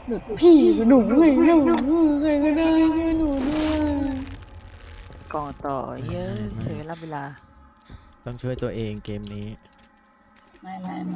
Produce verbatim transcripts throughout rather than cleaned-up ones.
หนูพี่หนูเลยหนูใครก็ได้ช่วยหนูด้วยกล่องต่อเยอะไม่ใช้เวลาเวลาต้องช่วยตัวเองเกมนี้ไม่ไม่ไม่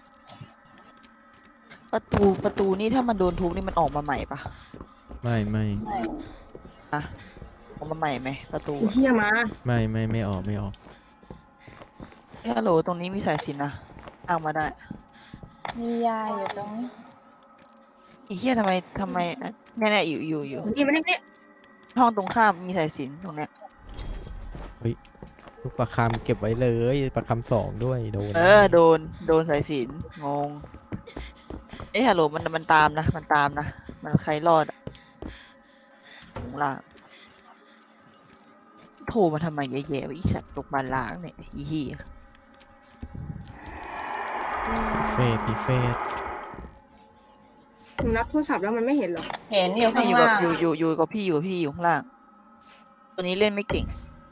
ประตูประตูนี่ถ้ามันโดนทุบนี่มันออกมาใหม่ปะไม่ไม่ไม่อะออกมาใหม่ไหมประตูไอ้เฮียมาไม่ไม่ไม่ออกไม่ออกเฮ้ยฮัลโหลตรงนี้มีสายสิญจนนะอ้างมาได้มียาอยู่ตรงนี้ไอ้เหี้ยทำไมทำไมอ่ะเนี่ยเนี่ยอยู่อยู่อยู่นี่มันนี่ห้องตรงข้ามมีสายสิญจนตรงเนี้ยลูกประคำเก็บไว้เลยประคำสองด้วยโดนเออโดนโดนสายสิญจนงงเอ้ยฮัลโหลมันมันตามนะมันตามนะมันใครรอดอะข้างล่างโทรมาทำไมแย่ๆวะอีสัตว์ตกบานล้างเนี่ยอีเหี้ยเฟสพีเฟสหนูรับโทรศัพท์แล้วมันไม่เห็นหรอเห็นอยู่ไม่ข้างอยู่กับล่างอยู่อยู่อยู่กับพี่อยู่กับพี่อยู่ข้างล่าง ตัวนี้เล่นไม่เก่ง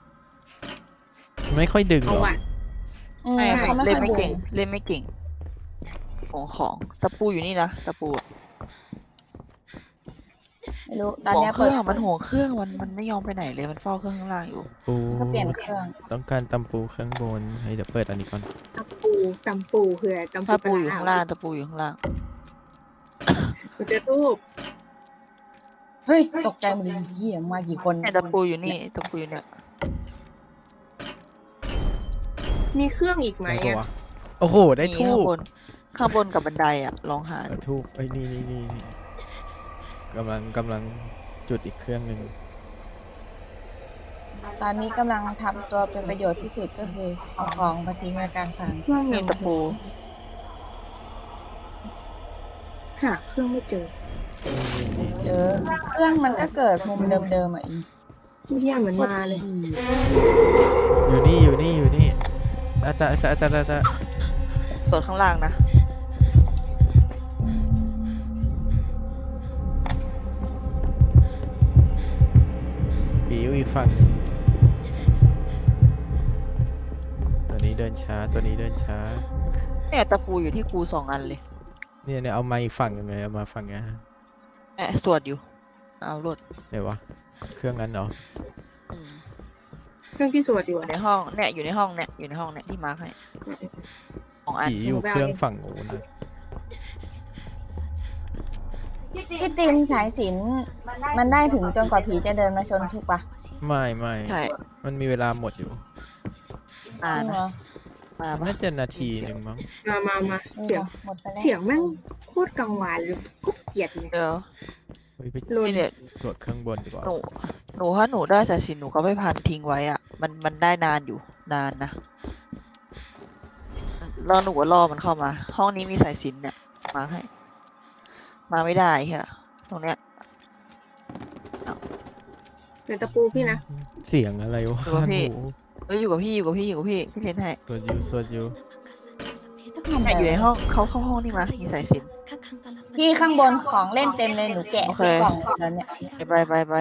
ไม่ค่อยดึงหเอารอว่ะอืมไม่เขาไม่เล่นค่อยไม่ดูเก่ง เล่นไม่เก่ง ของของตะปูอยู่นี่นะตะปูอะไม่รู้ตอนห่วงเนี้ยเคเปิรื่ดองมันห่วงเครื่องมันมันไม่ยอมไปไหนเลยมันเฝ้าเครื่องข้างล่างอยู่ปูก็เปลี่ยนเครื่องต้องการตำปูข้างบนเฮ้ยเดี๋ยวเปิดอันนี้ก่อนตำปูตำปูคืออะไรตำปูตะปูอยู่ข้างล่างตะปูอยู่ข้างล่างหนูจะรูปเฮ้ยตกใจหมดเลยเฮียมากี่คนเนี่ยตะปูอยู่นี่ตะปูอยู่เนี่ยมีเครื่องอีกไหมได้ปะอะวะโอ้โหได้มีทูข้างบบนข้างบนกับบันไดอ่ะลองหาทูบไอ้ยนี่นี่นี่นี่กำลังกำลังจุดอีกเครื่องหนึ่งตอนนี้กำลังทำตัวเป็นประโยชน์ที่สุดก็คือเอาของมาทิ้งไว้กลางทางเครื่องมียังตะปูหาเครื่องไม่เจอนี่นี่เจอเครื่องมันก็เกิดมุมเดิมๆอ่ะอีที่เฮียเหมือนมาเลยอยู่นี่อยู่นี่อยู่นี่อาตาอาตาอาตาอาตาส่วนข้างล่างนะปีอยู่อีกฝั่งหนึ่งตัวนี้เดินช้าตัวนี้เดินช้าเนี่ยตะปูอยู่ที่ครูสองอันเลยเนี่ยเนี่ยเอามาอีกฝั่งหนึ่งเลยเอามาฝั่งเนี้ยแอบสวดอยู่เอารถเดี๋ยววะเครื่องนั้นเหรออืมเครื่องที่สวดอยู่อยู่อะในห้องเนี่ยอยู่ในห้องเนี่ยอยู่ในห้องเนี่ยที่มาร์คให้ของอันผีอยู่เครื่องฝั่งโน้นนะพี่ติมสายสิญจนมันได้ถึงจนกว่าผีจะเดินมาชนถูกปะไม่ไม่ใช่มันมีเวลาหมดอยู่อ่าจริงนะเหรอมาปะน่าจะนาทีหนึ่งมั้งมามามาเออเสียงหมดไปแล้วเสียงแม่งโคตรกังวานเลยโคตรเกลียดเลยเดี๋ยวเฮ้ยไปนี่เนี่ยสวดเครื่องบนดีกว่าหนูหนูถ้าหนูได้สายสิญจนหนูก็ไม่พันทิ้งไว้อ่ะ มันมันได้นานอยู่นานนะแล้วหนูก็รอมันเข้ามา ห้องนี้มีสายสิญจนเนี่ยมาให้ มาไม่ได้เฮียตรงเนี้ยเป็นตะปูพี่นะเสียงอะไรวะอยู่กับพี่หนูเอ้ยอยู่กับพี่อยู่กับพี่อยู่กับพี่พี่เล่นให้สวดอยู่สวดอยู่เนี่ยอยู่ในห้องเขาเข้าห้องนี่มามีสายสิญจนพี่ข้างบนของเล่นเต็มเลยหนูแกะโอเคที่กล่องแล้วเนี่ยไปไปไป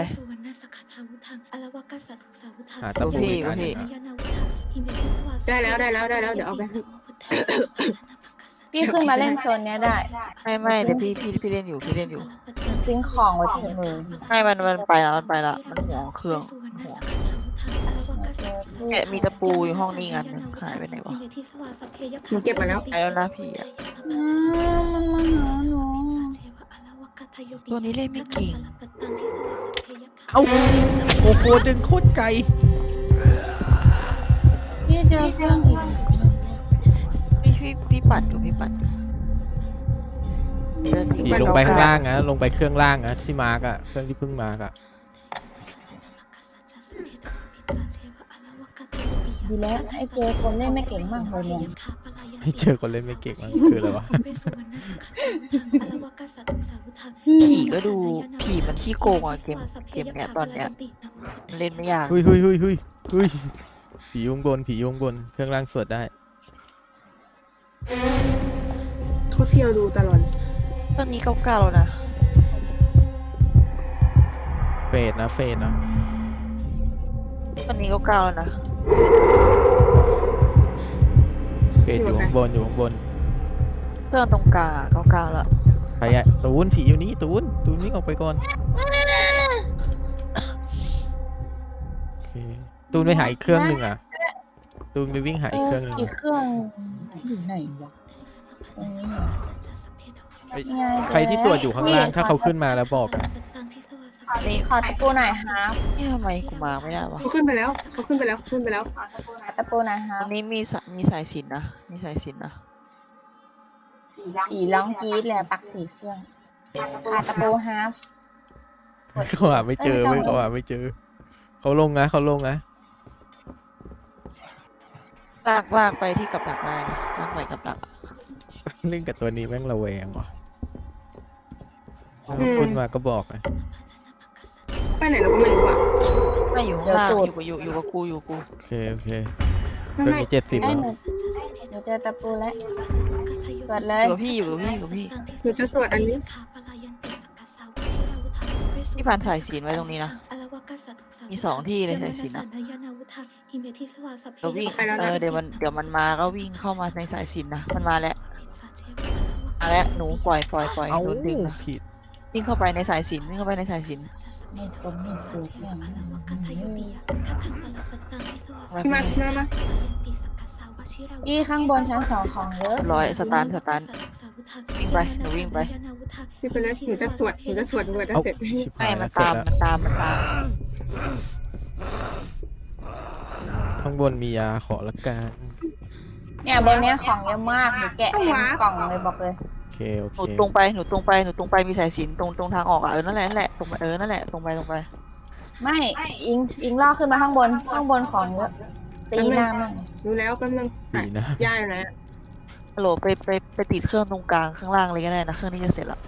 หาตะปูอีกอันหพี่นึ่งอะได้แล้วได้แล้วได้แล้วเดี๋ยวเอาไปให้พี่ขึ้นมาเล่นโซนเนี้ยได้ไม่ไม่เดี๋ยวพี่พี่พี่เล่นอยู่พี่เล่นอยู่ซิงค์ของไว้ที่มือไม่มันมันไปแล้วมันไปแล้วมันห่วงเครื่องห่วงแกะมีตะปูอยู่ห้องนี้อันหนึงหายไปไหนวะหนูเก็บมาแล้วไปแล้วนะพี่อะอืมมันมาหาหนูตัวนี้เล่นไม่เก่งเอ้าโอ้โหดึงโคตรไกลพี่เจอเครื่องอีกพี่พี่พี่ปัดอยู่พี่ปัดอยู่เดินทิ้ผีไปลงไปเก้ข้างล่างนะลงไปเครื่องล่างนะที่มาร์กอะเครื่องที่เพิ่งมาร์กอะดีแล้วไอ้เจอคนเล่นไม่เก่งมากเลยเนี่ยให้เจอคนเล่นไม่เก่งมันคืออะไรวะผีก็ดูผีมันขี้โกงอ่ะเกมเกมเนี้ยตอนเนี้ยมันเล่นไม่ยากเฮ้ยเฮ้ยเฮ้ยเฮ้ยเฮ้ยผียุงบนผียุงบนเครื่องล่างสวดได้เขาเที่ยวดูตลอดตอนนี้เก้าเก้าแล้วนะเฟดนะเฟดนะตอนนี้เก้าเก้าแล้วนะเฟดอยู่ข้างบนอยู่ข้างบนเครื่องตรงกลางเก้าเก้าแล้วใครอะตูนผีอยู่นี่ตูนตูนวิ่งออกไปก่อนโอเคตูนไปหาอีกเครื่องหนึ่งอ่ะตูนไปวิ่งหาอีกเครื่องหนึ่งอีกเครื่องอยู่ไหนวะตรงนี้เหรอเอ้ยนี่ไงใครที่ตรวจอยู่ข้างล่างถ้าเขาขึ้นมาแล้วบอกอะนี่ขอตะปูหน่อยฮะนี่ทำไมกูมาไม่ได้วะเขาขึ้นไปแล้วเขาขึ้นไปแล้วขึ้นไปแล้วตะปูหน่อยฮะตรงนี้มีสายมีสายสิญจนนะมีสายสิญจนนะอีร้องกรีดเลยปักสี่เครื่องขาดตะปูฮาฟเขาหาไม่เจอเอ้เว้ยยไม่ต้องเขาหาไม่เจอเขาลงนะเขาลงนะลากลากไปที่กับดักได้นะลากไปกับดักเล่นกับตัวนี้แม่งระแวงว่ะถ้าเขาขึ้นมาก็บอกนะไปไหนเราก็ไม่รู้อ่ะไม่อยู่ข้างล่างอยู่กับอยู่อยู่กับกูอยู่กูโอเคโอเคเคไม่รื่องไม่นี้เจ็ดสิบไอ้แล้วหนูเดี๋ยวเจอตะปูแล้วเกิดเลอย ยู่กับพี่อยู่กับพี่อยู่กับพี่หนูจะสวดอันนี้ที่ผ่านสายสิญจนไว้ตรงนี้นะมีสองที่เลยสายสิญจนอะเดี๋ยววิ่งไปแล้วนะเออเดี๋ยวมันเดี๋ยวมันมาก็วิ่งเข้ามาในสายสิญจนนะมันมาแล้วมาแล้วหนูปล่อยปล่อยปล่อยเอ้าโดนดึงนะผิดวิ่งเข้าไปในสายสิญจนวิ่งเข้าไปในสายสิญจนไม่สมไม่สูงอย่างนั้นพี่มาพี่มามาอีข้างบนชั้นสองของเยอะร้อยสตาร์ทสตาร์ทวิ่งไปหนูวิ่งไปพี่ไปเลยหนูจะสวดหนูจะสวดสวดจะเอ้าเสร็จชิบไม่หายมัแล้นวเสร็จตามแล้วมันตามมันตามข้างบนมียาขอละกันเนี่ยบนเนี้ยของเยอะมากหนูแกะเต็มกล่องเลยบอกเลยโอเคโอหนูเคตรงไปหนูตรงไปหนูตรงไปมีสายสิญจนตรงตรงทางออกอ่ะเออนั่นแหละนั่นแหละตรงไปเออนั่นแหละตรงไปตรงไปไม่อิงอิงลอกขึ้นมาข้างบนข้างบนของเยอะตีหน้ามั่งรู้แล้วแป๊บนึงดีนะย่าอยู่ไหนอะฮัลโหลไปไปไปติดเครื่องตรงกลางข้างล่างเลยก็ได้นะเครื่องนี้จะเสร็จแล้ว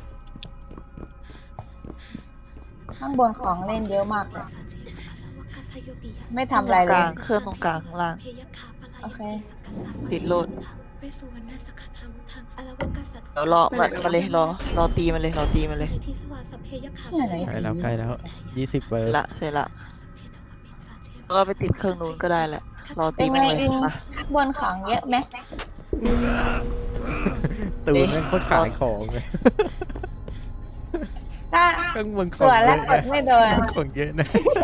ข้างบนของเล่นเยอะมากเลยไม่ทำอะไรกเลลาย งเครื่องตรงกลางข้างล่างโอเคติดโหลดเดี๋ยวรอมามาเลยรอรอตีมันเลยรอตีมันเลยเชื่อไหนใกล้แล้วใกล้แล้วยี่สิบเปอร์ละเสร็จละแล้วก็ไปติดเครื่องนู้นก็ได้แหละรอเป็ตีนมันไงเลยอิงมาข้างบนของเยอะไหมตูนแม่งโคตรขายของเลยก็ข้างบนขสองวนเยแล้วอะกนะดไม่โดนของเยอะนะ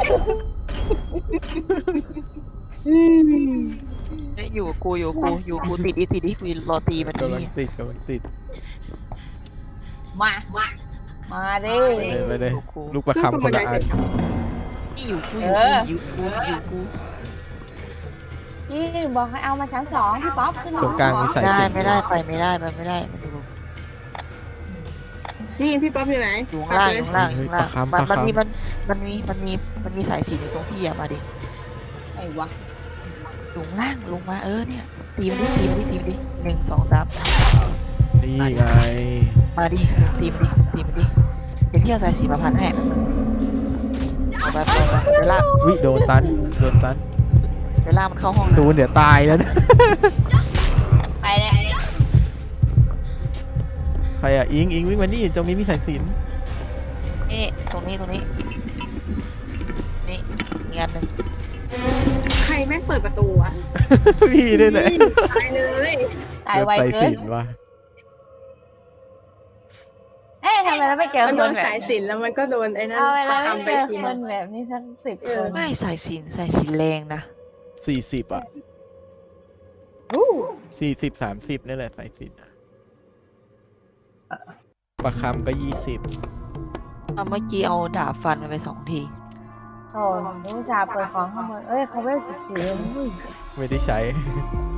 เอ้ยอยู่กับกูอยู่กับกูอยู่กับกูติดดิติดดิกูรอตีมันกำลังนี่ติดกำลังติดมามาดิไปเลยไปเลยลูกประคำคนละอันนี่อยู่กูอเอยู่กูออยู่กูอยู่กูพี่บอกให้เอามาชั้นสองพี่ป๊อปขึ้นมาตรงกลางมีสายได้สิญจนไม่ได้ไปไม่ได้ไปไม่ได้มันอยู่นี่พี่ป๊อปอยู่ไหนอยู่ข้างล่างอยู่ข้างล่างอเฮ้ยู่ยข้างปล่าระงคำมันประมันมีคำมันมันมีมันมีมันมีสายสิญจนอยู่ตรงพี่อะมาดิไอ้วะอยู่ข้างล่างลงมาเออเนี่ยตีมันดิตีมันดิตีมันดิหนึ่งสองสามนี่ไงมาดิตีมันดิตีมันดิเดี๋ยวพี่เอาสายสีมาพันให้เอาไปเอาไปเดี๋ยวลากวิโดนตันโดนตันเดี๋ยวลากมันเข้าห้องตูนเดี๋ยวตายแล้วนะไปเลยใครอ่ะอิงอิงวิ่งมานี่ตรงนี้มีสายสิญจนนี่ตรงนี้ตรงนี้นี่อีกอันหนึ่งใครแม่งเปิดประตูอ่ะพี่ด้วยแหละตายเลยตายไวโดนเกิสายนสิญจนว่ะเอ๊ะทำไมเราไม่เจอมันคโดนนแบบสายสิญจนแล้วมันก็โดนไอ้นั่นเอาไปปเราระไม่คำเจไปอทีคนึนงแบบนี้สักสิบเอคอนไม่สายสินสายสินแรงนะสี่สิบอ่ะสี่สิบสามสิบนี่แหละสายสิญจนอะประคำก็ยี่สิบเอาเมื่อกี้เอาดาบฟันมันไปสองทีโอ้รู้จ่าห์เปิดของข้างบนเอ้ยเขาไม่สิบสี่ไม่ได้ใช้